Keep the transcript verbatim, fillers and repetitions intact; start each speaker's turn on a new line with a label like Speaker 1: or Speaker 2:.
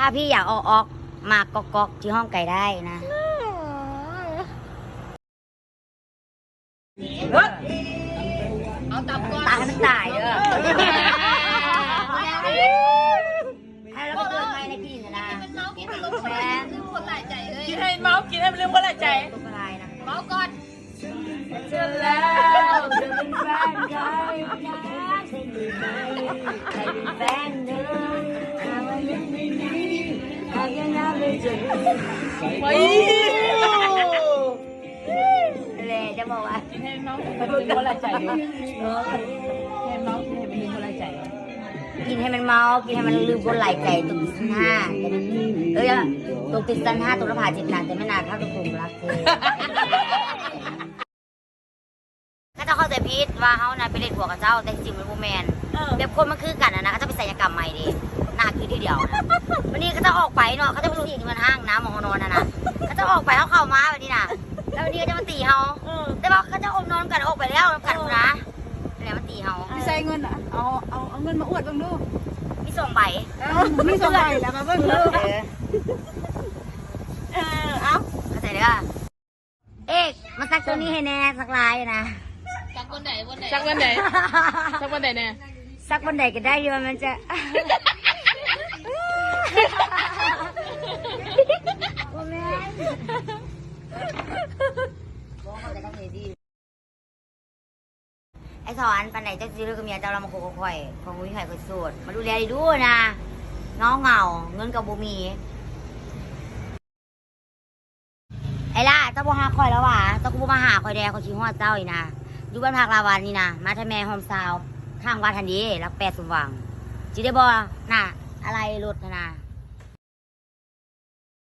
Speaker 1: ถ้าพี่อยากออกออกมากอกอกที่ห้องไก่ได้นะ
Speaker 2: เอาตับก่อน
Speaker 1: ตายให้มันตายเด้อให้เราไปเตือนไม่ในกินนะ
Speaker 2: มันเมากินให้คนหลายลืมคนหลายใจเลย
Speaker 3: กินให้เมากินให้มันลืมคนหลายใจ
Speaker 1: ตัวอะไรนะ
Speaker 2: เมาก่อน
Speaker 3: เจอแล้วจะเป็นแฟนใคร
Speaker 1: ใครเป็นแฟนเธอหาว่ายังไม่ดีหากยังนับไม่เจอ
Speaker 3: ไป
Speaker 1: เลยจะบอกว่า
Speaker 3: กินให้เมากินให้มันลืมคนหลายใจดูให้เมากินให้มันลืมคนหลายใจ
Speaker 1: กินให้มันเมากินให้มันลืมคนหลายใจตุกติดสันห้าเอ้ยตุกติดสันห้าตุกระผาจิตหนักแต่ไม่นานเท่าตุกตุกรักเธอก็จะเข้าใจพีทว่าเขานะไปเล่นหัวกับเจ้าแต่จริงมันโมแมนแบบคนมันคือกันนะนะเขาจะไปศัลยกรรมใหม่ดิหน้าคือที่เดียวนะวันนี้เขาจะออกไปเนาะเขาจะไปดูที่มันห้างน้ำมองนอนนะนะเขาจะออกไปเขาเข้ามาแบบนี้นะแล้ววันนี้ก็จะมาตีเขาแต่ว่าเขาจะอมนอนกันออกไปแล้วกันนะแล้วมาตีเขา
Speaker 4: ใส่เงินอ่ะเอาเอาเอาเงินมาอวดบ้างดู
Speaker 1: มีส่งใบ
Speaker 4: มีสองใบแล้วมาเบิ่งดู
Speaker 1: เออ
Speaker 4: เออเอา
Speaker 1: เข้าใจเด้อเอ๊ะมาซักตัวนี้ให้แน่สักลายนะ
Speaker 2: จากวันไหนวันไหน
Speaker 3: สักวันไหนสักวันไหนเนี่ย
Speaker 1: ซักวันไหนก็ได้ที่มันจะโอ้แม่ไอ้สอนปันไหนเจ้าซื้อกับเมียเจ้าเรามาโคกค่อยของวิไข่คนสูตรมาดูแลดีดูนะน้องเหงาเงินกับบุมีไอ้ล่ะเจ้าบัวหาคอยแล้วว่ะเจ้ากูมาหาคอยแดงคอยชี้หัวเจ้าอีนะอยู่บ้านพักลาวันนี่นะมาทำแม่โฮมซาวข้างวัดทันดีรักแปดสมหวังจีได้บอน่ะอะไรรถนะ